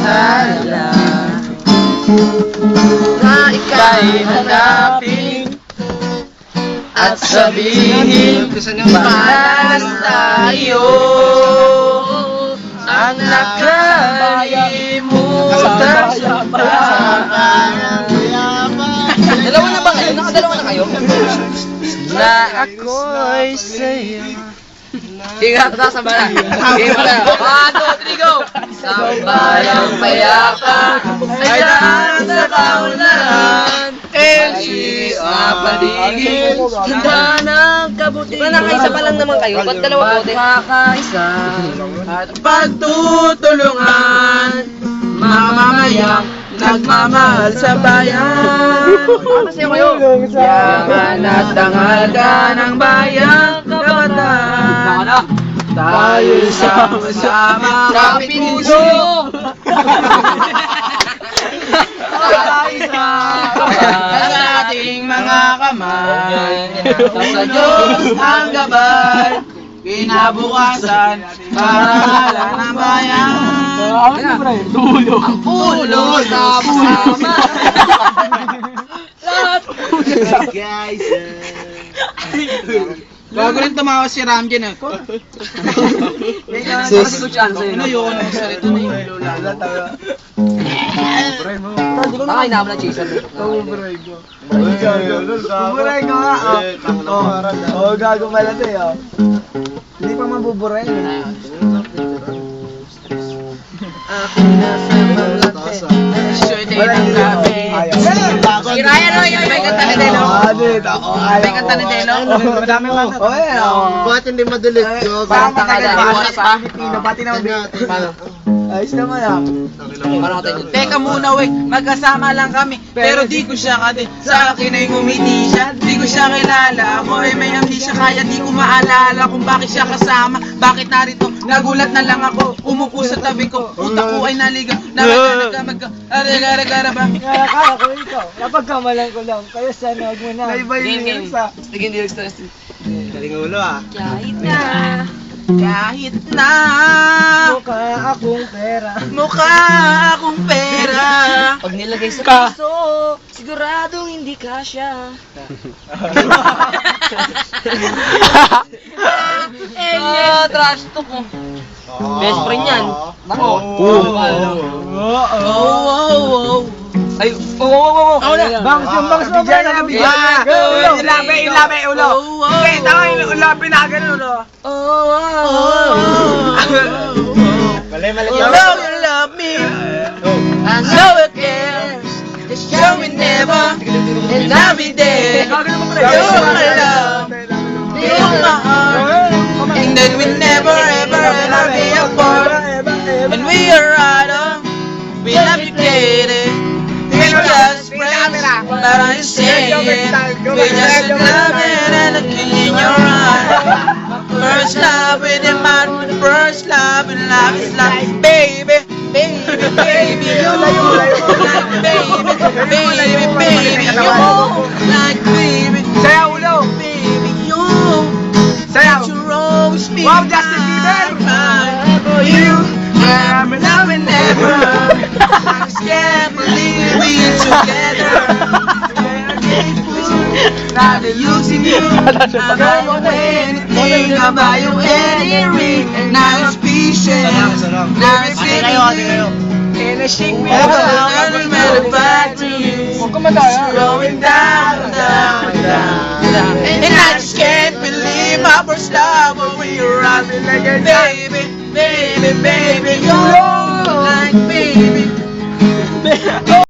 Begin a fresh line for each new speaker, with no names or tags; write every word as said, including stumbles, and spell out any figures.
bahala na ika'y hanapin at sabihin malas tayo ang nakalimutan sa parang dalawa na ba kayo? Nakadalawa na kayo? Na ako'y sa'yo. Ingat ka sa bala. Game na. One, two, three, go! Sa bayang payapa ay daan sa kaunlaran. L G sa paligid. Handa ng kabutihan. Diba nakaisa pa lang naman kayo? Ba't dalawa bote? Magkakaisa at pagtutulungan. Mamamayang nagmamahal sa bayan. Kasi kayo. Yaman at tanghalga ng bayang kabataan. Tayo sama-sama sa puso. Ang ating mga kamay. Sa Diyos ang gabay. Kinabukasan para ng bayan. Dulo. Ang pulo sama-sama. Lahat pulo. Guys. Bago rin tumawa si Ram dyan eh. Sis. Ano yun? Salito na yung lola. Baka inaam na chaser. Buburay ko. Buburay ko nga. Oo, gago pala to eh. Hindi pa mabuburay eh. Ako nasa malate. Sure tayo ng gabi. Si Ryan o, yung may kanta ni Delo. May kanta ni Delo. Madami ka na.
Bakit hindi madalit?
Parang matagal.
Oras pa.
Pati naman.
Ayos naman ah.
Teka muna wait, magkasama lang kami. Pero di ko siya kati. Sa akin ay ngumiti siya. Di ko siya kilala. Ako ay may amnesia kaya di ko maalala kung bakit siya kasama. Bakit narito? Nagulat na lang ako. Umupo sa tabi ko. Utak ko ay naligaw. Nagka magka Aragara ba?
Kaya kaya ko ikaw. Kapag kamalan ko lang. Kaya sana huwag mo na.
May bayin sa.
Sige, hindi stress.
Galing ulo ah.
Kahit na. Kahit na
Mukha akong pera.
mukha akong pera.
Pag nilagay sa puso, siguradong hindi kasya. Ah, trash talk mo. Best friend yan. Nako.
Oh, oh, oh.
Ay, oh, oh, oh, oh.
Bangs yung bangs mo.
Bigyan, bigyan.
Ilabi, ilabi, ulo. Okay, tama yung ulo. Pinagan ulo.
Oh, oh, oh.
Mali, mali.
You know you love me. I know it cares. Just show me never. And I'll be there. You're my love. You're my heart. And that we never ever ever be apart. And we are right on. We love you, Katie. We just friends, but I'm saying we just loving and looking in your eyes. First love with the man, with the first love, and love is like baby, baby, baby, you like baby, baby, baby, you like baby,
Saya ulo.
baby, you.
Saya.
You always be
Wow, Justin Bieber.
mine for you. I'm loving never. I just can't believe we're together. Not using you. I don't know anything about you, any ring. Now it's patient. Now it's
In a chic
Oh, I'm really back to you. Going down, down, down, down. And I just can't believe my first love when we were out. Baby, baby, baby, you're like baby.